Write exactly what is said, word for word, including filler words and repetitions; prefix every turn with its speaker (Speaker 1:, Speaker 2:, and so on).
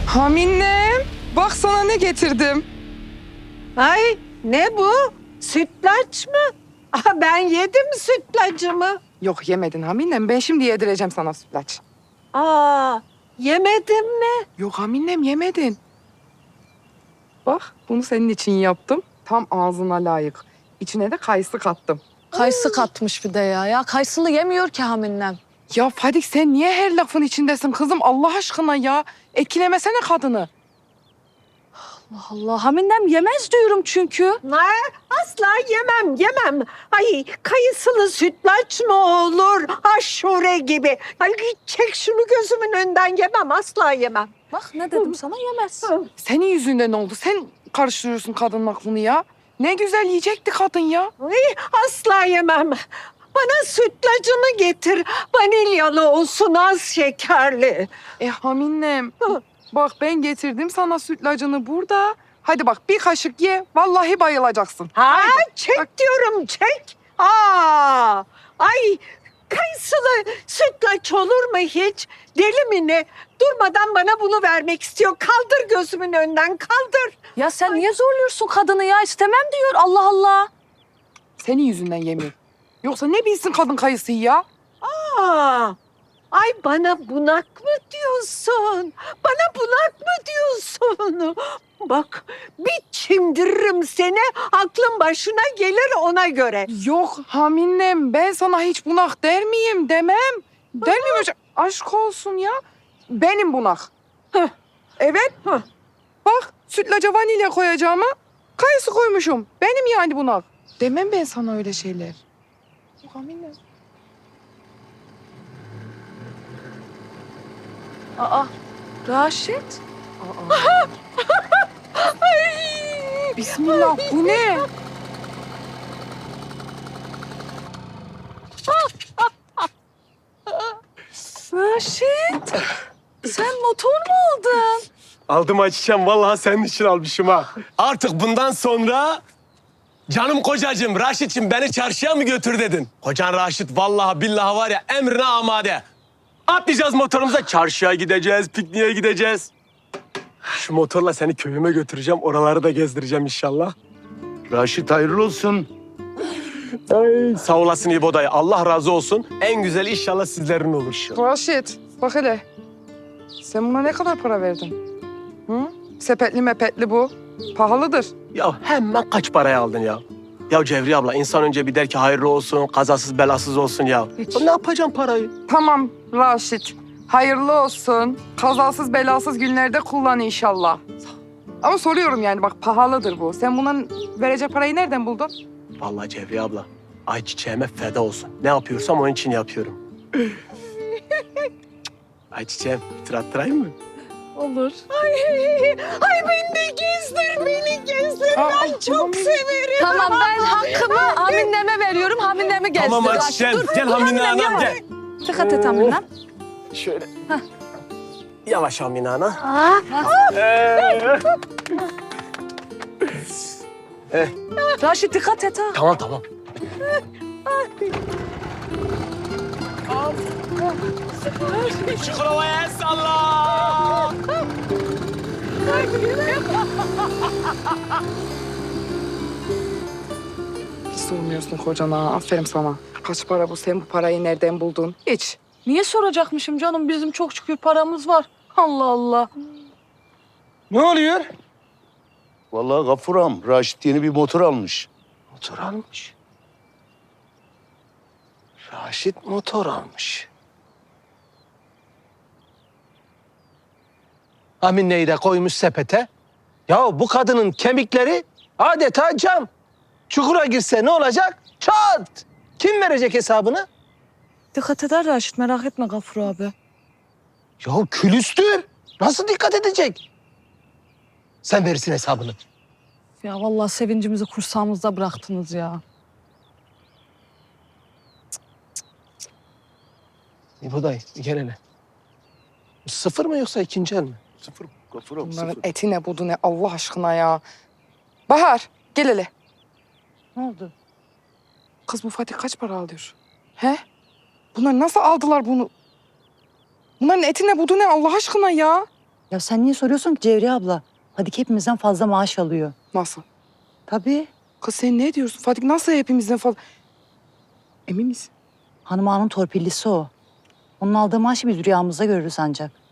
Speaker 1: Haminem, bak sana ne getirdim.
Speaker 2: Ay ne bu? Sütlaç mı? Aha, ben yedim sütlacımı.
Speaker 1: Yok yemedin Haminem, ben şimdi yedireceğim sana sütlaç.
Speaker 2: Aa, yemedin mi?
Speaker 1: Yok Haminem yemedin. Bak bunu senin için yaptım. Tam ağzına layık. İçine de kayısı kattım.
Speaker 3: Kayısı katmış bir de ya. Ya kayısılı yemiyor ki Haminem.
Speaker 1: Ya Fadik sen niye her lafın içindesin kızım Allah aşkına ya? Etkilemesene kadını.
Speaker 3: Allah Allah. Haminem yemez diyorum çünkü.
Speaker 2: Ne? Asla yemem, yemem. Ay kayısılı sütlaç mı olur? Aşure gibi. Ay çek şunu gözümün önünden, yemem, asla yemem.
Speaker 3: Bak ne dedim sana, yemez.
Speaker 1: Senin yüzünden oldu. Sen karıştırıyorsun kadının aklını ya. Ne güzel yiyecekti kadın ya.
Speaker 2: Ay, asla yemem. Bana sütlacını getir. Vanilyalı olsun, az şekerli.
Speaker 1: E Haminem,
Speaker 2: Hı.
Speaker 1: bak ben getirdim sana sütlacını burada. Hadi bak bir kaşık ye, vallahi bayılacaksın.
Speaker 2: Ha,
Speaker 1: Haydi.
Speaker 2: çek
Speaker 1: Bak.
Speaker 2: diyorum, çek. Aa, ay kayısılı sütlaç olur mu hiç? Deli mi ne? Durmadan bana bunu vermek istiyor. Kaldır gözümün önünden, kaldır.
Speaker 3: Ya sen niye zorluyorsun kadını ya? İstemem diyor. Allah Allah.
Speaker 1: Senin yüzünden yemiyor. Yoksa ne bilsin kadın kayısıyı ya?
Speaker 2: Aa, ay bana bunak mı diyorsun? Bana bunak mı diyorsun? Bak bir çimdiririm seni, aklın başına gelir ona göre.
Speaker 1: Yok Haminem, ben sana hiç bunak der miyim? Demem. Der miyim hocam? Aşk olsun ya. Benim bunak.
Speaker 2: Heh.
Speaker 1: Evet.
Speaker 2: Heh.
Speaker 1: Bak sütlaca vanilya koyacağıma kayısı koymuşum. Benim yani bunak. Demem ben sana öyle şeyler. Yok Haminem.
Speaker 3: Aa, Raşit.
Speaker 1: Aa. Bismillah bu ne?
Speaker 3: Raşit. Sen motor mu aldın?
Speaker 4: Aldım Ayçiçeğim, vallahi senin için almışım ha. Artık bundan sonra canım kocacığım Raşit'cim beni çarşıya mı götür dedin? Kocan Raşit vallahi billahi var ya emrine amade. Atlayacağız motorumuza, çarşıya gideceğiz, pikniğe gideceğiz. Şu motorla seni köyüme götüreceğim, oraları da gezdireceğim inşallah.
Speaker 5: Raşit hayırlı olsun.
Speaker 4: Ay, sağ olasın İbo dayı, Allah razı olsun. En güzel inşallah sizlerin olur.
Speaker 1: Raşit bak hele. Sen buna ne kadar para verdin? Hı? Sepetli mepetli bu. Pahalıdır.
Speaker 4: Ya hemen kaç paraya aldın ya? Ya Cevriye abla, insan önce bir der ki hayırlı olsun, kazasız belasız olsun ya.
Speaker 1: Hiç.
Speaker 4: Ya ne yapacağım parayı?
Speaker 1: Tamam Raşit. Hayırlı olsun. Kazasız belasız günlerde kullan inşallah. Ama soruyorum yani bak pahalıdır bu. Sen bunun verecek parayı nereden buldun?
Speaker 4: Vallahi Cevriye abla, ayçiçeğime feda olsun. Ne yapıyorsam onun için yapıyorum. Ayçiçeğim, bir tur attırayım mı?
Speaker 3: Olur.
Speaker 2: Ay, ay beni de gezdir, beni gezdir.
Speaker 1: Aa,
Speaker 2: Ben çok severim.
Speaker 3: Tamam ben hakkımı Haminem'e veriyorum. Haminemi gezdir.
Speaker 4: Tamam
Speaker 3: Raşit.
Speaker 4: Ayçiçeğim,
Speaker 3: Dur,
Speaker 4: gel
Speaker 3: dur,
Speaker 4: Hamine
Speaker 3: Haminem,
Speaker 4: anam
Speaker 3: yavaş.
Speaker 4: gel.
Speaker 3: Dikkat et Haminem.
Speaker 4: Şöyle. Yavaş Hamine ana.
Speaker 2: Aa,
Speaker 3: Raşit dikkat et ha.
Speaker 4: Tamam tamam. Çukurova'ya el salla.
Speaker 1: Hiç sormuyorsun kocana. Aferin sana. Kaç para bu? Sen bu parayı nereden buldun? Hiç.
Speaker 3: Niye soracakmışım canım? Bizim çok şükür paramız var. Allah Allah.
Speaker 4: Ne oluyor?
Speaker 5: Vallahi Gafur ağam, Raşit yeni bir motor almış.
Speaker 4: Motor almış. Raşit motor almış. Amine'yi de koymuş sepete. Ya bu kadının kemikleri adeta cam. Çukura girse ne olacak? Çat! Kim verecek hesabını?
Speaker 3: Dikkat eder Raşit, merak etme Gafur abi.
Speaker 4: Ya külüstür. Nasıl dikkat edecek? Sen verirsin hesabını.
Speaker 3: Ya vallahi sevincimizi kursağımızda bıraktınız ya.
Speaker 4: İbo dayı gel hele. Sıfır mı yoksa ikinci el mi?
Speaker 5: Sıfır Gafur ağam,
Speaker 1: Bunların
Speaker 5: sıfır.
Speaker 1: eti ne budu ne Allah aşkına ya. Bahar gel hele.
Speaker 3: Ne oldu?
Speaker 1: Kız bu Fatih kaç para alıyor? He? Bunlar nasıl aldılar bunu? Bunların eti ne budu ne Allah aşkına ya?
Speaker 6: Ya sen niye soruyorsun ki Cevriye abla? Fadik hepimizden fazla maaş alıyor.
Speaker 1: Nasıl?
Speaker 6: Tabii.
Speaker 1: Kız sen ne diyorsun? Fatih nasıl hepimizden fazla? Emin misin?
Speaker 6: Hanım ağanın torpillisi o. Onun aldığı maaşı biz rüyamızda görürüz ancak.